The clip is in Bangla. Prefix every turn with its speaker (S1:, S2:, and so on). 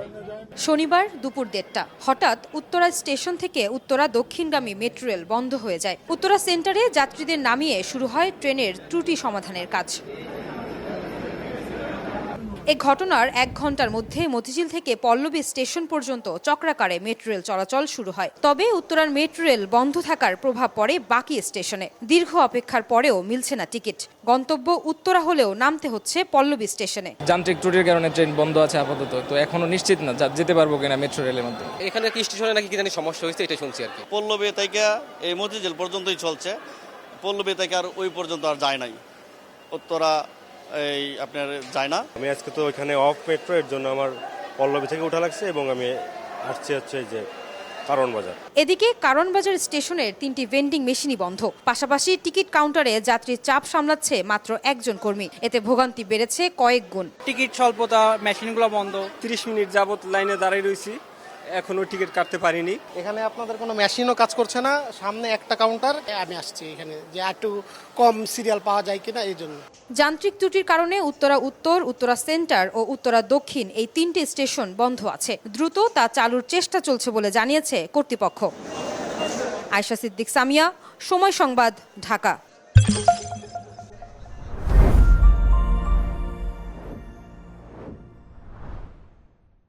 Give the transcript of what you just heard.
S1: শনিবার দুপুর ১:৩০ হঠাৎ উত্তরা স্টেশন থেকে উত্তরা দক্ষিণগামী মেট্রো রেল বন্ধ হয়ে যায়। উত্তরা সেন্টারে যাত্রীদের নামিয়ে শুরু হয় ট্রেনের ত্রুটি সমাধানের কাজ। এ ঘটনার ১ ঘণ্টার মধ্যে মতিঝিল থেকে পল্লবী স্টেশন পর্যন্ত চক্রাকারে মেট্রো রেল চলাচল শুরু হয়। তবে উত্তরার মেট্রো রেল বন্ধ থাকার প্রভাব পড়ে বাকি স্টেশনে। দীর্ঘ অপেক্ষার পরেও মিলছে না টিকিট। গন্তব্য উত্তরা হলেও নামতে হচ্ছে পল্লবী স্টেশনে।
S2: যান্ত্রিক ত্রুটির কারণে ট্রেন বন্ধ আছে আপাতত, তো এখনো নিশ্চিত না যেতে পারবো কিনা মেট্রো রেলের মধ্যে।
S3: এখানে কি স্টেশনে নাকি কি জানি সমস্যা হয়েছে, এটা শুনছি আর কি।
S4: পল্লবী থেকে এই মতিঝিল পর্যন্তই চলছে, পল্লবী থেকে আর ওই পর্যন্ত আর যায় নাই, উত্তরা এই আপনার যায় না।
S5: আমি আজকে তো ওইখানে অফ মেট্রো, এর জন্য আমার পল্লবী থেকে উঠা লাগছে এবং আমি আসছি হচ্ছে যে কারণ বাজার।
S1: এদিকে কারণ বাজার স্টেশনের 3টি ভেন্ডিং মেশিনই বন্ধ। পাশাপাশি টিকিট কাউন্টারে যাত্রীর চাপ সামলাচ্ছে মাত্র একজন কর্মী। এতে ভোগান্তি বেড়েছে কয়েক গুণ।
S6: টিকিট স্বল্পতা, মেশিনগুলো বন্ধ। 30 মিনিট যাবত লাইনে দাঁড়িয়ে রয়েছি, এখনো টিকিট কাটতে পারিনি।
S7: এখানে আপনাদের কোনো মেশিনও কাজ করছে না, সামনে একটা কাউন্টার। আমি আসছি এখানে যে একটু কম সিরিয়াল পাওয়া যায় কিনা এই জন্য।
S1: যান্ত্রিক ত্রুটির কারণে উত্তরা উত্তর, উত্তরা সেন্টার ও উত্তরা দক্ষিণ এই 3টি স্টেশন বন্ধ আছে। দ্রুত তা চালুর চেষ্টা চলছে বলে জানিয়েছে কর্তৃপক্ষ। আয়েশা সিদ্দিক সামিয়া, সময় সংবাদ, ঢাকা।